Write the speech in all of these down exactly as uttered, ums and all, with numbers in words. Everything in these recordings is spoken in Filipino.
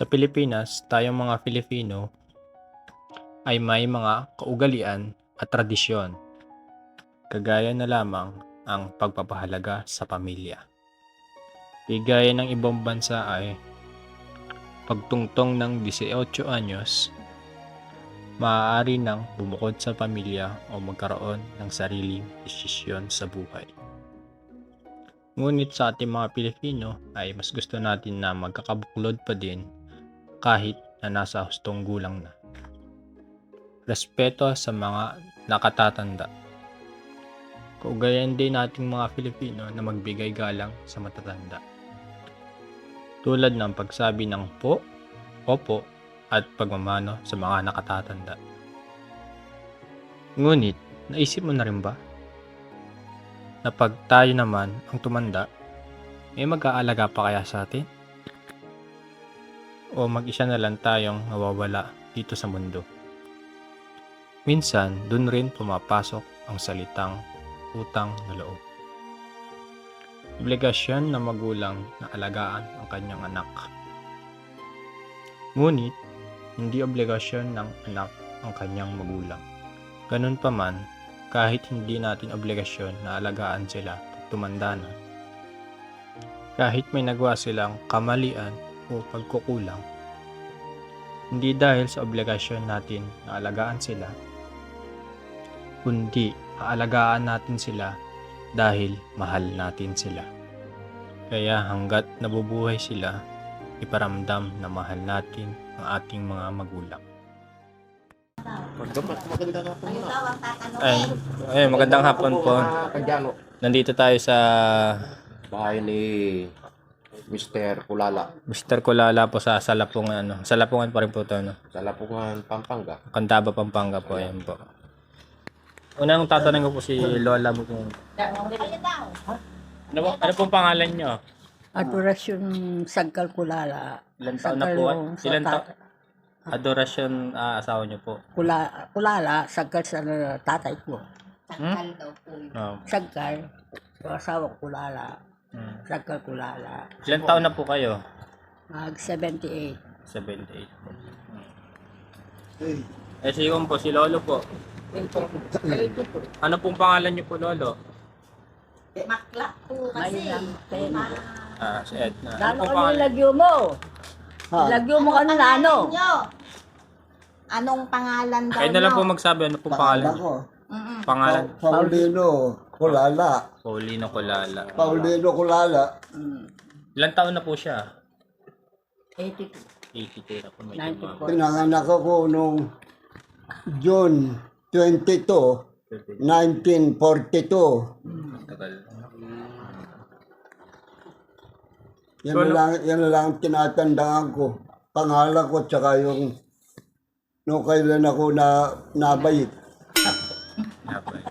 Pilipinas, tayong mga Filipino ay may mga kaugalian at tradisyon, kagaya na lamang ang pagpapahalaga sa pamilya. Di gaya ng ibang bansa ay pagtungtong ng eighteen anyos, maaari nang bumukod sa pamilya o magkaroon ng sariling desisyon sa buhay. Ngunit sa ating mga Pilipino ay mas gusto natin na magkakabuklod pa din kahit na nasa hustong gulang na. Respeto sa mga nakatatanda. Kaugalian din nating mga Filipino na magbigay galang sa matatanda. Tulad ng pagsabi ng po, opo, at pagmamano sa mga nakatatanda. Ngunit, naisip mo na rin ba na pag tayo naman ang tumanda, may mag-aalaga pa kaya sa atin? O mag-isa na lang tayong nawawala dito sa mundo? Minsan, dun rin pumapasok ang salitang utang na loob. Obligasyon ng magulang na alagaan ang kanyang anak. Ngunit, hindi obligasyon ng anak ang kanyang magulang. Ganun pa man, kahit hindi natin obligasyon na alagaan sila pag tumanda na, kahit may nagawa silang kamalian o pagkukulang, hindi dahil sa obligasyon natin na alagaan sila, kundi aalagaan natin sila dahil mahal natin sila. Kaya hanggat nabubuhay sila, iparamdam na mahal natin ang ating mga magulang. Magandang hapon mo na. Ay, ay, magandang hapon po. Kadyano. Nandito tayo sa Bahay ni Mister Kulala. Mister Kulala po sa Salapungan, ano. Salapungan pa rin po ito, no? Sa Lapungan, Pampanga. Candaba, Pampanga po, ayan po. Unang tatanungin ko po si Lola mo kung ano, po, ano pong pangalan nyo? Adorasyon Sagkal Kulala. Ilan taon na po? Ilan taon? Adorasyon ah, asawa nyo po. Kula, kulala, Sagkal sa tatay ko. Hmm? Oh. Sagkal, yung asawa ko Kulala. Hmm. Sagkal Kulala. Ilan taon na po kayo? Mag seventy-eight. seventy-eight po. Hmm. Eh si po, si Lolo po. Ano pong pangalan nyo po, Lolo? Makla po kasi. May lang pena. Ah, si Edna. Ano Lalo pong ka pangalan? nilagyo mo. Ha? Lagyo mo ka na ano. Nyo? Anong pangalan daw Kayo na lang nyo? po magsabi, ano pong pangalan? ko, Mm-mm. Pangalan? Paulino Kulala. Paulino Kulala. Paulino Kulala. Mm. Ilan taon na po siya? eighty-two. eighty-two na po. Medyo ninety-four. mga- Pinanganak ako noong June twenty-two, nineteen forty-two. Tagal. Yan So, na lang, yan na lang ang tinatandaan ko. Pangalan ko tsaka yung no kailan ako na nabayit. Napay.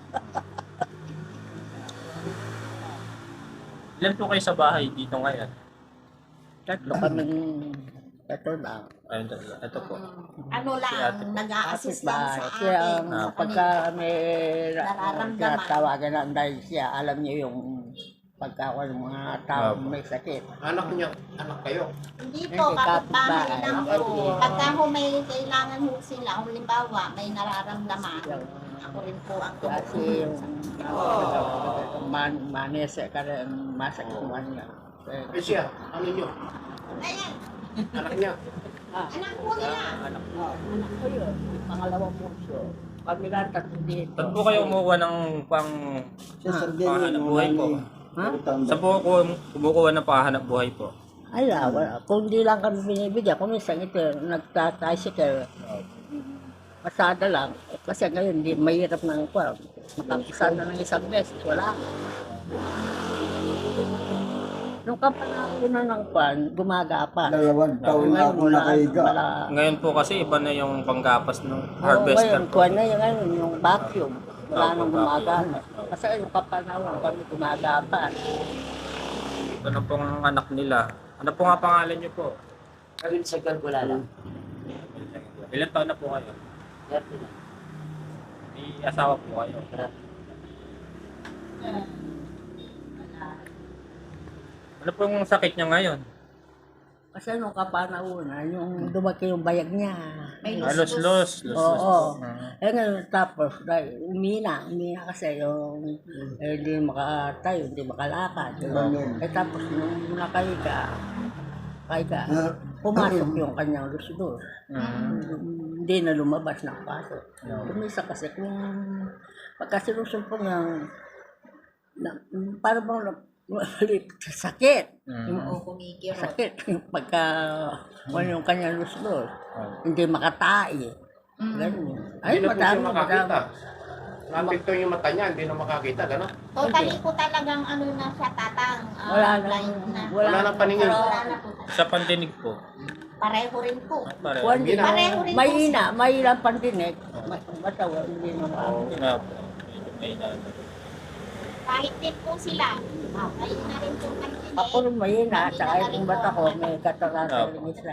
Ilan po kayo sa bahay dito ngayon? Tatlo kaming ito lang. Ayun, tatlo. Ito po. Ano Si ate lang, po. nag-a-assist lang sa Kapit-bahay. Kaya akin. ang sa pagka kanila. may Nararamdaman. tinatawagan na dahil siya, alam niyo yung pagka ng mga tao Opo. may sakit. Anak niya, anak kayo. Hindi Hindi, po, kapit-bahay kapit-bahay. lang Ako po. din. Pagka ho may kailangan ho sila, kung halimbawa may nararamdaman, ako rin po ang Kasi yung tumutulong. man, manese ka rin, masakit mo niya. Eh siya, ano niyo? Ayan, Anak niya. anak po nila. Anak ko, anak ko yun, pangalawang puso. Kami lang tatlo dito. Saan po kayo kumukuha ng pang Sa panghanap buhay po? Ha? Saan po ako kumukuha ng panghanap buhay po? Ay, wala. Kung di lang kami binibigyan, kung minsan ito, nagtaticycle, pasada lang. Eh, kasi ngayon, di, mahirap na ang kwa. Makapasada ng isang beses, wala. Nung kapanahon na ng kwan, gumagapa. Dalawang taon na ako nakahiga. Ngayon po kasi iba na yung panggapas ng Harvester. harvester Ngayon, po. kwan na yung, ano, yung vacuum. Wala Opo, nang gumagana. Kasi yung kapanahon kami gumagapa. Ito na pong anak nila. Ano po nga pangalan niyo po? Kami sa Kalkulala. Ilan taon na po kayo? May asawa po kayo. Ano pong sakit niya ngayon? Kasi nung kapanahonan, yung dumaki yung bayag niya. May Ah, los, luslos. los, los, Oo. los. Ah. Eh ngayon, tapos, dahil umina, umina kasi yung eh, hindi makatayo, hindi makalakad. Ganun. Eh tapos, nung nakahiga, kahiga, Ah, pumasok yung kanyang lusdos. Mm. Hindi na lumabas ng pasok. Yeah. Kumisa kasi kung pagkasilusong po ng na, parang bang na- sakit. Mm. Oo, kumikirot. Sakit. Yung pagka ano yung kanyang lusdos. Ah. Hindi makatai. Mm. Ganun. Hindi Ay, na po siya madami, makakita. madami. Napinto yung mata niya, hindi na makakita, gano'n. Totally po talagang ano na siya, tatang. ah, Wala na. blind na. Wala nang paningin. Wala na po. Sa pandinig po. Pareho rin po. Ah, pare. Kung hindi, Pareho rin po may siya. ina, may ilang pandinig. May batawa, hindi naman. Nga po. Medyo may na. Kahit din po sila. Ah, kayo na rin po kanina. Ako rin may ina, saka yung bata ko, may katarata Opo. rin isa.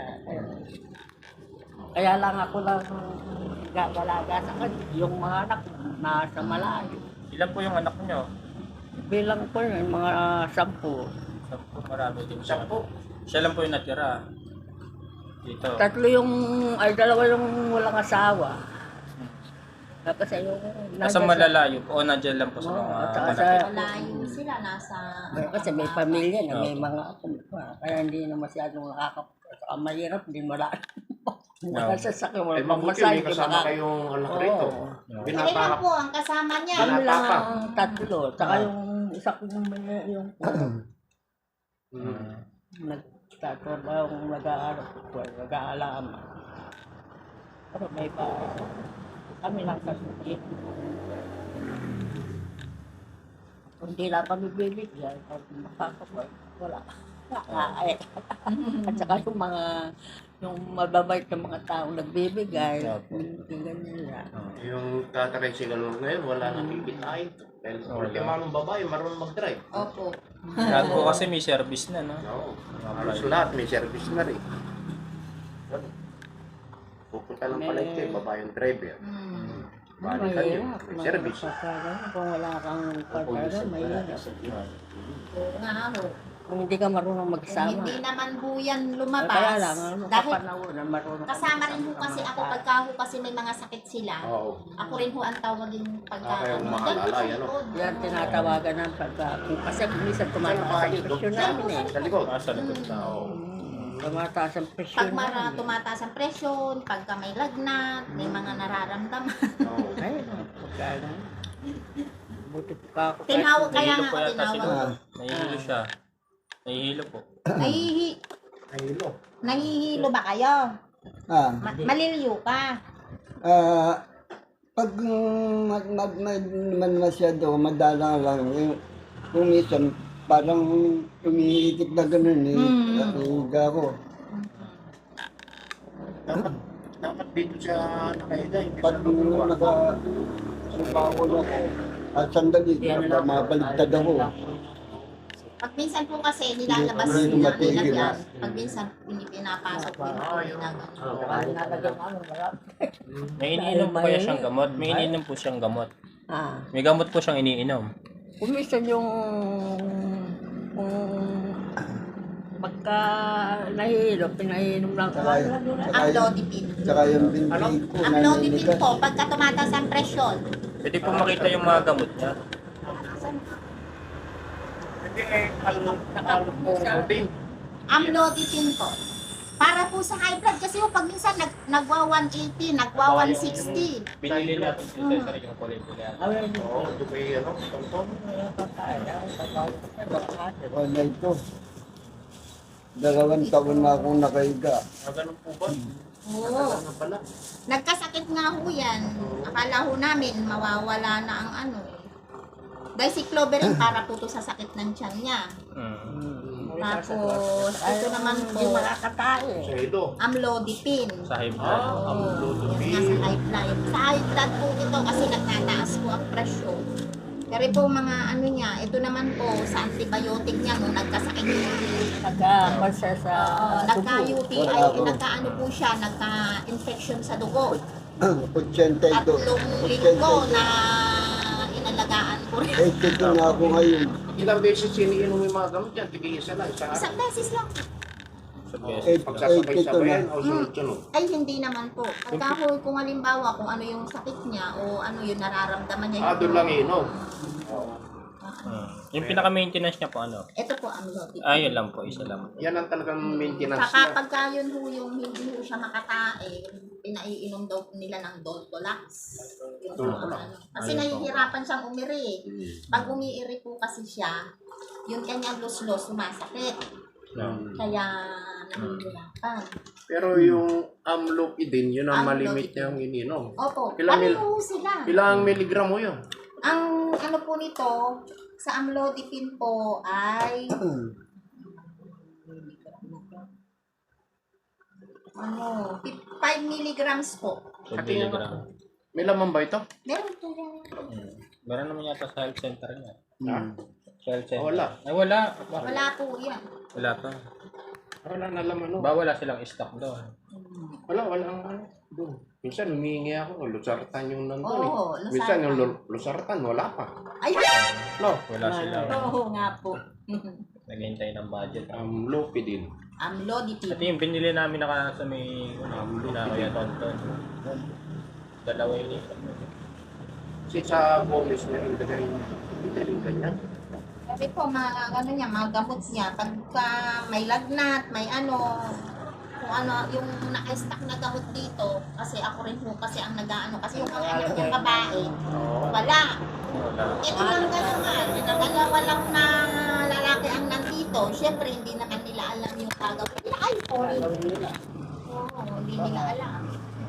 Kaya lang ako lang gagalaga sa kanya. Yung mga anak ko, nasa malayo. Ilan po yung anak niyo? Bilang ko yun, mga sampu. Sampo, marami din siya. Sampo. Siya lang po yung natira. Dito. Tatlo yung, ay dalawa yung walang asawa. Kasi yung... Nasa nandyan sa- malalayo po o nandiyan lang po sa Oo, mga at saka anak. sa- Malayo sila, nasa... Eh, Kasi may pamilya na, may Opo. mga apo. Kaya hindi na masyadong nakakapunta. Saka mahirap, hindi malayo. Opo. Nakasasakyan, Eh, wala pang mabuti, masahe. may kasama kayong anak rito. Oo. Kailan Binaparap. po ang kasama niya? Kami lang Pinapapa. ang tatlo. Saka yung isa ko yung may yung Mm. nagtatrabaho, nag-aaral ko, nag-aalaman. Pero may pa, kami lang kasuki. Kung di lang kami bibigyan, pag makakapag, wala. Ay. At saka yung mga, yung mababait ng mga taong nagbibigay, Opo. hindi ganyan yan. Yung tataray si Galong ngayon, wala nang kikitain. Dahil ultima ng babae, marunong mag-drive. Opo. Lahat po kasi may service na, no? Oo. Halos lahat, may service na rin. Pupunta lang pala ito, eh, babae yung driver. Hmm. Balik ka niyo, Mahirap, may service. mahirap. Kung wala kang pagkakas, mahirap. Oo nga ho. Kung hindi ka marunong Kung magsama. hindi naman po yan Kaya lumabas. lang, ano, Dahil kapanahon na marunong. kasama rin ho kasi ako pagka ho kasi may mga sakit sila. Oo. Ako rin ho ang tawagin pagka Ah, kayo ano. maalala, Ganun sa yan, likod. Yan tinatawagan ng pagka. Kasi minsan tumataas ang presyon namin eh. Sa likod. Ah, sa likod na. Oo. Hmm, Tumataas ang presyon Pag mara, namin. tumataas ang presyon, pagka may lagnat, may mga nararamdaman. Oo. Ay, pagka buti pa ako. Tinawag kaya Nahihilo nga po ako yata tinawag. siguro. Nahihilo siya. Nahihilo po. Nahihi, Ayun o. nahihilo ba kayo? Ah, Ma- maliliyo ka. ah, pag mm, mad, mad, mad, man masyado, madala lang. Yung, kung minsan, parang tumihitik na ganun eh. Mm. Nahihiga ako. Dapat, dapat dito siya nakahiga. Hindi Pag sa lupa. naka, sumahol ako, at sandali, baka mabaligtad ako. Pag minsan po kasi nilalabas Hindi nila matigil, nila ah. yan. Pag minsan hindi pinapasok din po Ah, nila. Oo. Saka nalagyan namin marami. May iniinom po kaya siyang gamot. May iniinom po siyang gamot. Ah, May gamot po siyang iniinom. kung minsan yung kung pagka nahihilo, pinahinom lang ko. Saka, Ang saka, lodipin. saka yung binti ko, Ang lodipin naninigas. po, pagka tumataas ang presyon. Pwede po makita yung mga gamot niya. Hindi eh, al- al-protein. Amlodipine po. Para po sa high blood kasi yung pag minsan nag, nagwa one eighty, nagwa one sixty. Binili natin sa sarili yung kulay nila. Oo, ito ba yung ano, tonton? O na ito. Dalawang taon na akong nakahiga. Ah, ganun po ba? Oo. Ano pala? Nagkasakit nga ho yan. Akala ho namin mawawala na ang ano eh. Dahil si Cloverin para po to sa sakit ng tiyan niya. Hmm. Tapos ito naman po, Hindi makakatae. Sa ito. amlodipine. Sa high blood. Ah, ang Yung nga lodipin. sa high blood. Sa high blood po ito kasi nagtataas po ang presyon. Pero po mga ano niya, ito naman po sa antibiotic niya nung nagkasakit niya. Nagka-pansa sa Uh, dugo. nagka-U T I, Wala ako. nagka-ano po siya, nagka-infection sa dugo. Ochentay-dos. Tatlong linggo na inalagaan ko rin. Eh, ito na ako ngayon. Ilang beses siniinom yung mga gamot yan? Tigil isa lang. Sa Isang beses lang. So, beses. Eight- Pagsasabay-sabayan eight o sunod-sunod. Ay, hindi naman po. Pagka ho, kung halimbawa, kung ano yung sakit niya o ano yung nararamdaman niya. Ah, doon lang inom. Hmm. Yung pinaka-maintenance niya po ano? Ito po ang loaded. Ah, yun lang po, isa lang. Yan ang talagang maintenance Saka niya. pagka yun ho yung hindi ho siya makatae, pinaiinom daw nila ng Doltolax. Yung Doltolax. ano. Kasi Ayun po. nahihirapan siyang umiri. eh. Pag umiiri po kasi siya, yung kanyang los-los sumasakit. No. Kaya nahihirapan. Pero yung amlopidine, yun ang Amlopidine. malimit niyang ininom. Opo, Ilang mil- pareho sila. Ilang miligram mo yun? Ang ano po nito, sa amlodipine po ay ano, five milligrams po. So, milligram. May laman ba ito? Meron po yan. Hmm. Meron naman yata sa health center niya. Ha? Sa health center. Wala. Ay, wala. Bakit? Wala po yan. Wala pa. Wala na laman. No? Ba, wala silang stock doon. Wala, wala ang ano. Doon. Minsan humingi ako, lusartan yung nandun Oo, eh. lusartan. Minsan yung lu- lusartan, wala pa. Ay, No, Wala sila. oo nga po. Naghihintay ng budget. amlopidine. Amlodipine. Ito yung binili namin naka sa may ano, na Kuya Tonton. Dalawa yun eh. Kasi sa bonus na rin ganyan. Hindi rin ganyan. Sabi po, mga ano niya, mga gamot niya, pagka may lagnat, may ano, kung ano, yung naka-stack na gamot dito, kasi ako rin po kasi ang nag-ano, kasi yung mga anak niyang babae, wala. Wala. Ito lang gano'n nga, dalawa lang na lalaki ang nandito, syempre hindi naman nila alam yung gagawin nila. Ay, sorry. Oo, hindi nila alam.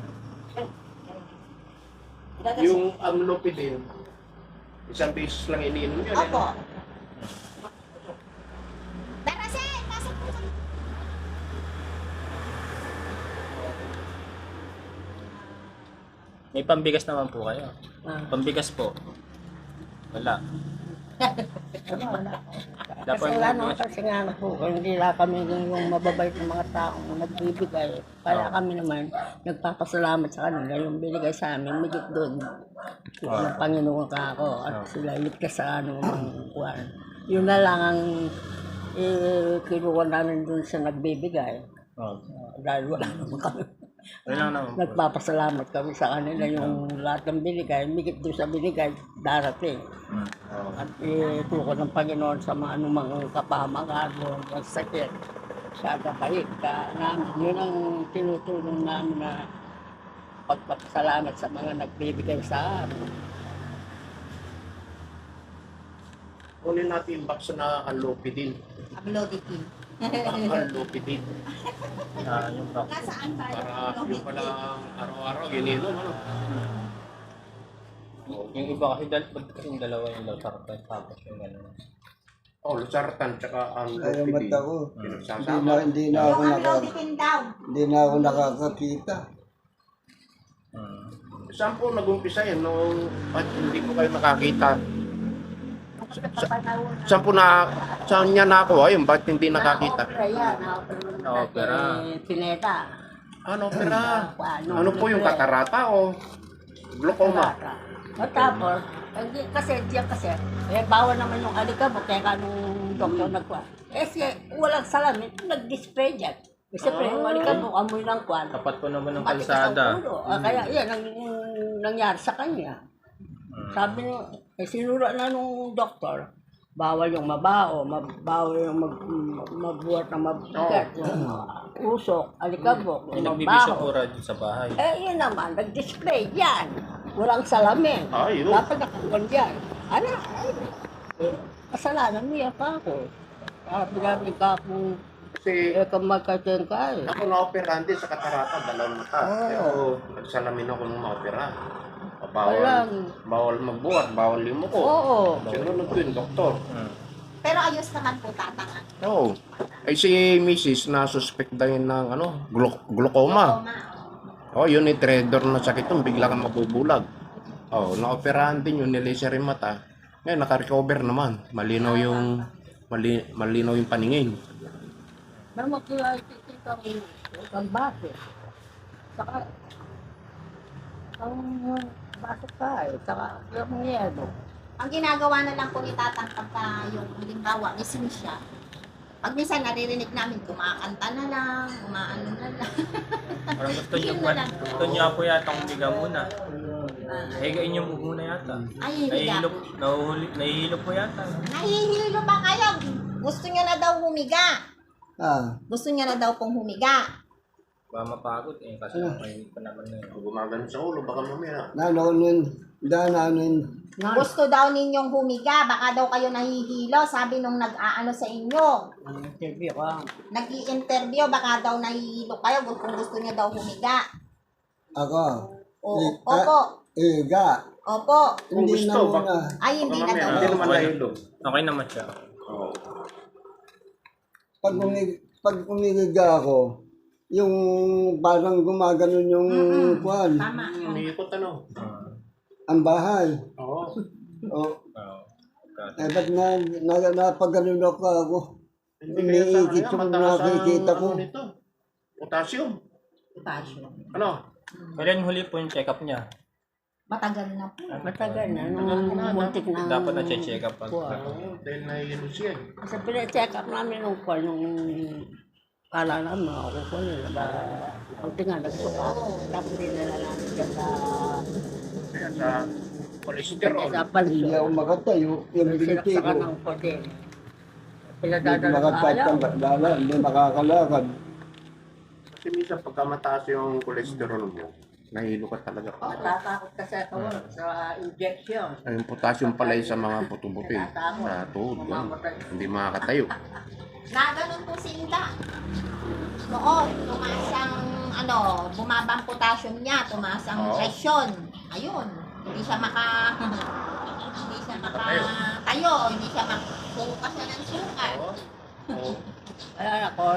Yung amlopidine, isang beses lang iniinom yun. Opo. Eh. Darasin, pasok po sa... May pambigas naman po kayo. Ah. Pambigas po. Wala. Wala, wala. Dapat Kasi ano, kasi nga ano po, hindi lang kami yung mababait ng mga taong nagbibigay. Kaya kami naman, nagpapasalamat sa kanila yung binigay sa amin, migit doon. Ng Panginoon ka ako at sila iligtas sa ano ng kuwan. Yun na lang ang eh, kinuha namin doon sa nagbibigay. Oh. Dahil wala naman kami. Wala lang naman po. Nagpapasalamat kami sa kanila yung lahat ng binigay, migit doon sa binigay, darating. Hmm. At ituko ng Panginoon sa mga anumang kapahamakan o ang sakit. Siya kapahit ka namin. Yun ang tinutulong namin na pagpapasalamat sa mga nagbibigay sa amin. Kunin natin yung box na amlopidine. Amlodipine. Amlopidine. Ah, yung box. Nasaan tayo? Para yung pala araw-araw, ininom. Ano? Yung iba kasi dal kasi yung dalawa yung losartan tapos yung ano. Oh, lusartan tsaka Salamat amlopidine. ako. Hindi Pinagsasama. na, hindi na ako Yung naka, amlodipine daw. hindi na ako nakakakita. Hmm. Saan po nag-umpisa yan nung at hindi ko kayo nakakita? Saan po na, saan niya nakuha yun? Bakit hindi nakakita? Na-opera yan. Na-opera. Eh, Pineta. Ano, pera? Ano, Ano po yung katarata o glaucoma? O tapos, hindi kasi diyan kasi, eh bawal naman yung alikabok, kaya ka nung doktor nagkuha. Eh siya, walang salamin, nag-display dyan. Kasi pre, yung alikabok, amoy ng kwan. Tapat po naman ng Matigas ang kalsada. ulo. Ah, kaya yan ang ang nangyari sa kanya. Sabi niya, eh sinura na nung doktor, bawal yung mabao, mab- bawal yung mag, m- mabuhat na mabigat, yung uh, usok, alikabok, Yung yung nagbibisyo mabaho. po radyo sa bahay. Eh, yun naman, nag-display yan. Walang salamin. Ay, yun. Dapat nakakuan yan. Ano? Ay, eh, kasalanan niya pa ako. Sabi namin ka kung Kasi eh, kung magkateng ka eh. ako na-operahan din sa katarata, dalawang mata. Oo. Pero nagsalamin ako nung ma-opera. Bawal, Walang. bawal magbuhat, bawal limuko. Oo. Sinunod ko yung doktor. Hmm. Pero ayos naman po tatanga. Oo. Ay si Missus na suspect din ng ano, glu- glaucoma. Glaucoma. Oh, yun ni trader na sakit yun, bigla kang mabubulag. Oh, na-operahan din yun, nilaser yung mata. Ngayon, naka-recover naman. Malinaw yung, mali, malinaw yung paningin. Naman kaya itikita ko ang base. Saka, ang base ka eh. Saka, yung yelo. Ang ginagawa na lang po ni Tatang pagka yung halimbawa, gising siya, Pag minsan naririnig namin, kumakanta na lang, umaano na lang. Parang gusto niyo Yun po, na lang. gusto niyo po yata humiga muna. Higain niyo muna yata. Ay, hihiga. Nahihilo, nahuhuli, nahihilo po yata. Nahihilo ba kayo? Gusto niya na daw humiga. Ah, Gusto niya na daw pong humiga. Ba mapagod eh, kasi may pa naman na yun. Kung gumagano sa ulo, baka mamaya. nanonon, dananon. Gusto daw ninyong humiga, baka daw kayo nahihilo, sabi nung nag-aano sa inyo. Interview ka. Nag-i-interview, baka daw nahihilo kayo kung gusto niya daw humiga. Ako, O, Eh, opo, iga. opo. Kung Hindi na gusto, muna. Ay, hindi na Baka daw. mamaya, hindi naman nahilo. Okay naman siya. Oo. Pag, umig, pag umigiga ako, yung parang gumaganon yung Mm-mm. kwan, Tama. Umiikot ano? Ah, ang bahay. Oo. O, oo. eh, ba't na, na, napaganon ako ako? Hindi kaya sa Umiikot kanya, yung mataas ang nakikita ko. ano nito. Potassium. Passion. Ano? Kailan huli po yung check-up niya? Matagal na po. Matagal na, nung muntik na. Dapat na check up pag Kuha. Oo, dahil nahihilo siya. Kasi pina-check up namin nung kuha, nung kala namin mga kukuha nila. Ba, ang tinga, nagsuka. Tapos dinala namin dyan sa, Kaya sa cholesterol. sa Hindi pansyo. ako makatayo, yung binti ko. Sinaksakan ng kote. Hindi Pinadadala sa ayaw. makatayo, hindi makakalakad. Kasi minsan pagka mataas yung cholesterol mo, nahilo ka talaga. Oh, tatakot kasi ako sa injection. Ay, yung potassium pala yung sa mga puto-buto eh. Sa tuhod, ganun. Hindi makakatayo. Na ganun po si Inda. Noon, tumaas ang, ano, bumaba ang potassium niya, tumaas ang Oo. presyon. Ayun, hindi siya maka, hindi siya makatayo, hindi siya makasuka siya ng suka. Oo. Kaya ako,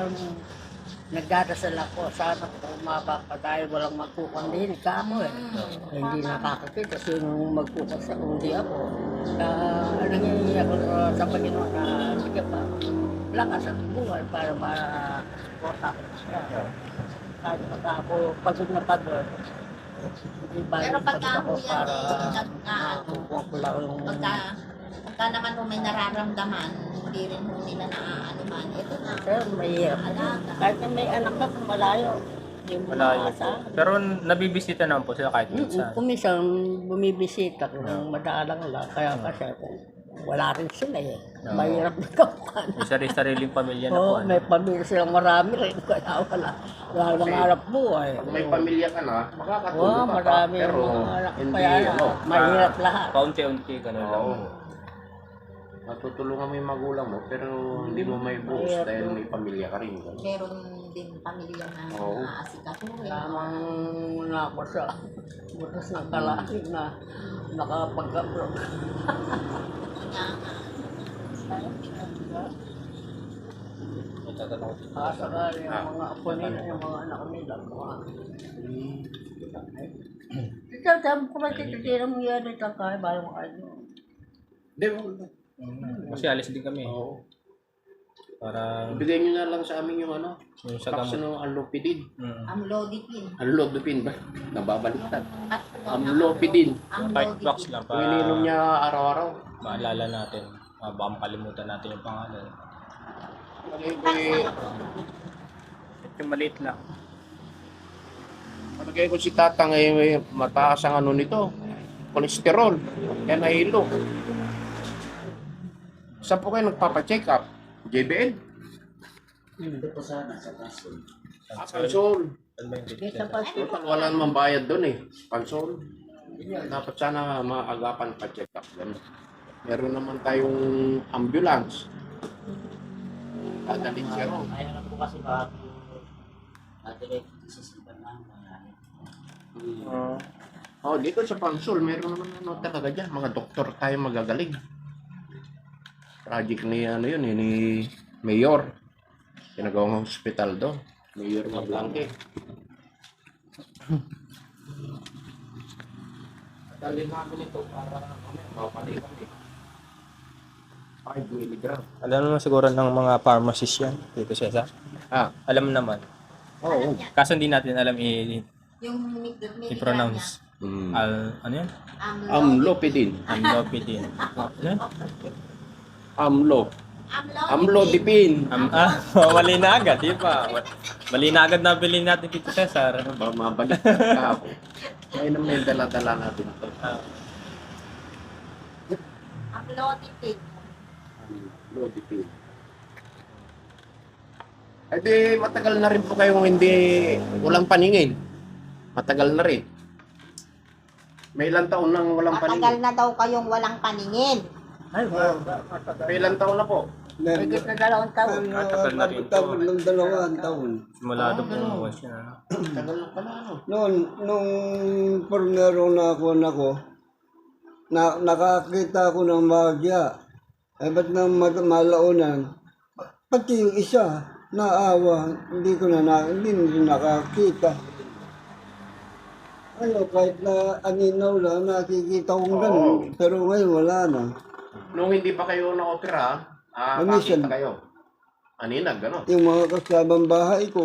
nagdadasal ako, sana umaba pa dahil walang magkukandihin ka mo eh. Mm. Hindi nakakakita sino magkukas sa kundi ako. Kaya nangyayari ako sa- sa Panginoon na sige pa, lakas at buhay para ma-support ako siya. Kahit pagka ako pagod na pagod, hindi ba Pero pagka ako ho yan para eh, nag, ah, matutuwa ko lang yung pagka, pagka naman ho may nararamdaman, hindi rin ho nila naaano man. Ito na, Pero mahirap. alaga. Kahit na may anak ka kung malayo, hindi mo Malayo po. maasahan. Pero nabibisita naman po sila kahit Mm, minsan. Kung minsan bumibisita kung madalang lang, kaya kasi kung wala rin sila eh. Oo. Mahirap na kapan. May sarili-sariling pamilya na po. Oo, ano. may pamilya silang marami rin, kaya wala. Wala nang harap buhay. Pag may pamilya ka na, makakatulog Oo, ka pa. marami Pero yung mga anak. hindi, Kaya ano. mahirap lahat. Paunti-unti, gano'n lang. Oo. Matutulungan mo yung magulang mo, pero hindi mo may buhos dahil may pamilya ka rin. ganun. Meron din pamilya na Oo. naasikatuhin. Tamang na ako sa butas ng kalaki na nakapag-upload. May tatanong ko. Kasakali yung mga apo nila, yung mga anak nila, mga ito, sabi ko ba tititira mo yan ito kaya balang ano. Hindi, wala. Kasi alis din kami. Oo. Para Ibigay nyo na lang sa amin yung ano, yung sa vaccine gamot. ng Amlopidin. Mm. Amlodipine. Amlopidin ba? Nababaliktad. At Amlopidin. Kahit box lang Kung ininom para niya araw-araw. maalala natin. Uh, baka makalimutan natin yung pangalan. Palagay ko eh, Yung maliit lang. palagay ko si Tatang eh, mataas ang ano nito. Cholesterol. Kaya nahilo. Saan po kayo nagpapacheck up? J B L? Ito po sana sa kaso. Ah, Pansol. Ano ba yung date? Kesa pa Total, wala namang bayad doon eh. Pansol. Dapat sana maagapan pa check up. Ganun. Meron naman tayong ambulance. Dadalhin siya ron. Kaya lang po kasi baka natin sa simpan na mangyari. Uh, Oh, dito sa Pansol, meron naman ano talaga dyan. Mga doktor tayo magagaling. Project ni ano yun, eh, ni Mayor. Pinagawang hospital doon. Mayor Mablanque. Dalhin namin ito para kami, mapali kami. five milligram. alam naman siguro ng mga pharmacist yan. Dito siya sa. Ah, Alam naman. oo. Kaso hindi natin alam i- yung milligram i-pronounce. Mm. Al, ano yan? niya. Amlopidin. Amlopidine. Ano yan? Amlo. Amlodipine. Um, ah, mali na agad, di ba? Mali na agad na bilhin natin dito, Cesar. Ba, mabalik ka ako. Ngayon naman yung dala-dala natin ito. Ah, Amlodipine. Amlodipine. Eh di, matagal na rin po kayong hindi, walang paningin. Matagal na rin. May ilang taon nang walang Matagal paningin. na daw kayong walang paningin. May ilang taon na po. Higit na dalawang taon. Ah, tagal na rin Tapos ng dalawang taon. simula doon bumuwas siya. Tagal na pala, ano? Noon, nung formero na ako na ko, na, nakakita ako ng magya. Eh, ba't nang mag- malaunan? Pati yung isa, naawa, hindi ko na, na hindi na nakakita. Ano, kahit na aninaw lang, nakikita kong ganun. Pero ngayon, wala na. Nung hindi pa kayo na-opera, ah, Minsan. kakita kayo. Aninag, gano'n. Yung mga kasamang bahay ko,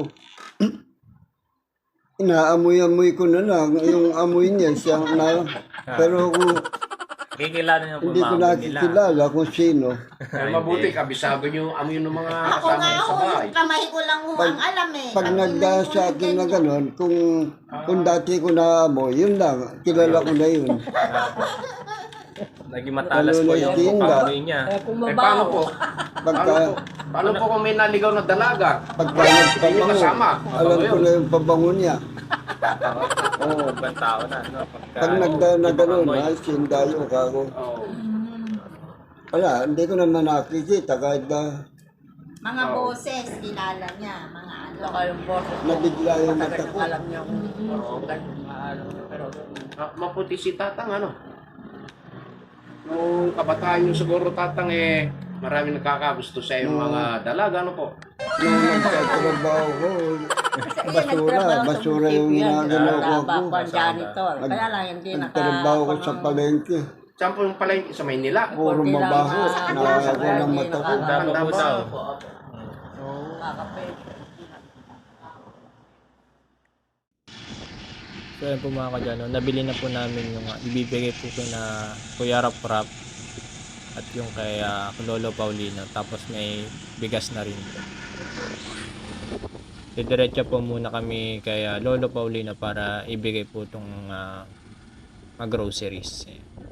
inaamoy-amoy ko na lang yung amoy niya siya na. Pero kung Kikilala niyo po hindi ko mga nila. nakikilala kung sino, Eh, mabuti, kabisado nyo amoy ng mga Ako kasama nga nyo sa ho, bahay. yung kamay ko lang ho ang alam eh. pag Ang nagda kamay ko sa akin na ganyan. gano'n, kung, kung dati ko naamoy, yun lang, kilala ko na yun. Naging matalas Lalo po na yung tinda. pamboy niya. Kaya Eh, paano kumabaw. po? Pagka, Paano po? Paano po kung may naligaw na dalaga? pagka Hindi nyo nagpabango, kasama. alam ko na yung pabango niya. Oo, oh, ibang tao na. No? Pagka, Pag nagda na ibang gano'n, amoy. ay, sindayo ka ako. Oh. Wala, hindi ko naman nakikita kahit na Mga boses, kilala niya. Mga ano. Saka yung boses. nabigla yung mata Matagal ko. alam niya kung ganun maalam niya. Pero Ah, maputi si Tatang, ano? Nung kabataan nyo siguro, Tatang, eh, marami nagkakagusto sa yung mga dalaga, ano po? Nung nagtatrabaho ko, basura, basura yung ginagalaw ko ako. Trabaho ko ang janitor. Kaya lang hindi naka... Nagtrabaho ko sa palengke. Saan po yung pala yung sa Maynila? Puro Konti lang, mabaho. ah, Nakakago kaya ng hindi mata ko. nakaka- Tama po daw. Kakape. So yun po mga kadyano, nabili na po namin yung uh, ibibigay po ko na Kuya Rap Rap at yung kay uh, Lolo Paulino, tapos may bigas na rin po. Didiretso po muna kami kay uh, Lolo Paulino para ibigay po itong uh, mga groceries. Eh.